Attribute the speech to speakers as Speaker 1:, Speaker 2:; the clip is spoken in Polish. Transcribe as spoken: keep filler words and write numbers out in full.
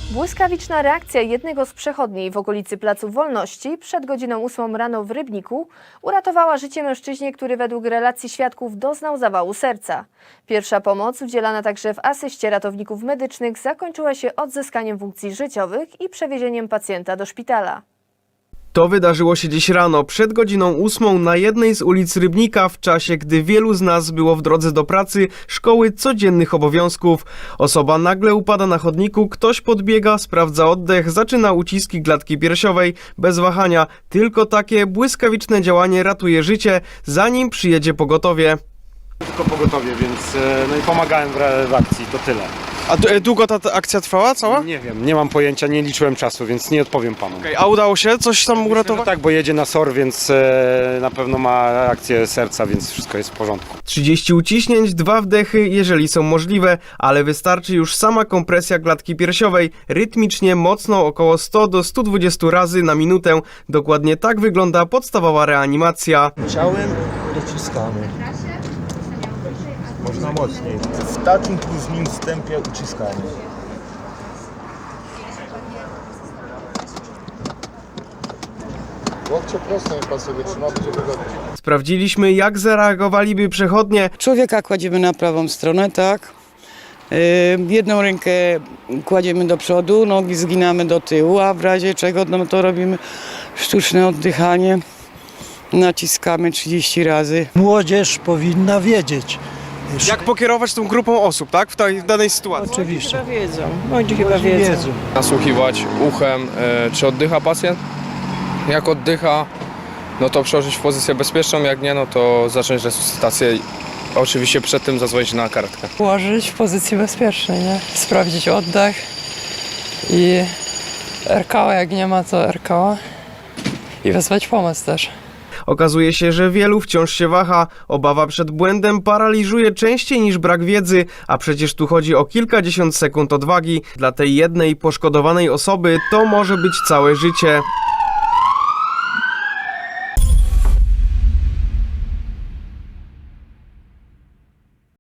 Speaker 1: Błyskawiczna reakcja jednego z przechodni w okolicy Placu Wolności przed godziną ósmą rano w Rybniku uratowała życie mężczyźnie, który według relacji świadków doznał zawału serca. Pierwsza pomoc, udzielana także w asyście ratowników medycznych, zakończyła się odzyskaniem funkcji życiowych i przewiezieniem pacjenta do szpitala.
Speaker 2: To wydarzyło się dziś rano, przed godziną ósmą na jednej z ulic Rybnika, w czasie, gdy wielu z nas było w drodze do pracy, szkoły, codziennych obowiązków. Osoba nagle upada na chodniku, ktoś podbiega, sprawdza oddech, zaczyna uciski klatki piersiowej, bez wahania. Tylko takie błyskawiczne działanie ratuje życie, zanim przyjedzie pogotowie.
Speaker 3: Tylko pogotowie, więc no i pomagałem w, w akcji, to tyle.
Speaker 2: A długo ta akcja trwała cała?
Speaker 3: Nie wiem, nie mam pojęcia, nie liczyłem czasu, więc nie odpowiem panu.
Speaker 2: Okay, a udało się coś tam
Speaker 3: Myślę,
Speaker 2: uratować?
Speaker 3: że tak, bo jedzie na S O R, więc e, na pewno ma akcję serca, więc wszystko jest w porządku.
Speaker 2: trzydzieści uciśnięć, dwa wdechy, jeżeli są możliwe, ale wystarczy już sama kompresja klatki piersiowej, rytmicznie, mocno, około sto do stu dwudziestu razy na minutę. Dokładnie tak wygląda podstawowa reanimacja.
Speaker 4: Ciałem dociskamy. Można mocniej. W takim plus minus tempie uciskamy.
Speaker 5: Łokcie prosto, niech pan sobie trzyma, będzie wygodnie.
Speaker 2: Sprawdziliśmy, jak zareagowaliby przechodnie.
Speaker 6: Człowieka kładziemy na prawą stronę, tak. Yy, jedną rękę kładziemy do przodu, nogi zginamy do tyłu, a w razie czego no to robimy sztuczne oddychanie. Naciskamy trzydzieści razy.
Speaker 7: Młodzież powinna wiedzieć.
Speaker 2: Jak pokierować tą grupą osób, tak? W tej w danej sytuacji.
Speaker 7: Oczywiście.
Speaker 6: Chyba wiedzą. Młodzi chyba wiedzą.
Speaker 7: Wiedzą.
Speaker 8: Nasłuchiwać uchem, e, czy oddycha pacjent. Jak oddycha, no to przełożyć w pozycję bezpieczną, jak nie, no to zacząć resuscytację. Oczywiście przed tym zadzwonić na karetkę.
Speaker 9: Ułożyć w pozycji bezpiecznej, nie? Sprawdzić oddech i R K O, jak nie ma, to R K O i wezwać pomoc też.
Speaker 2: Okazuje się, że wielu wciąż się waha. Obawa przed błędem paraliżuje częściej niż brak wiedzy, a przecież tu chodzi o kilkadziesiąt sekund odwagi. Dla tej jednej poszkodowanej osoby to może być całe życie.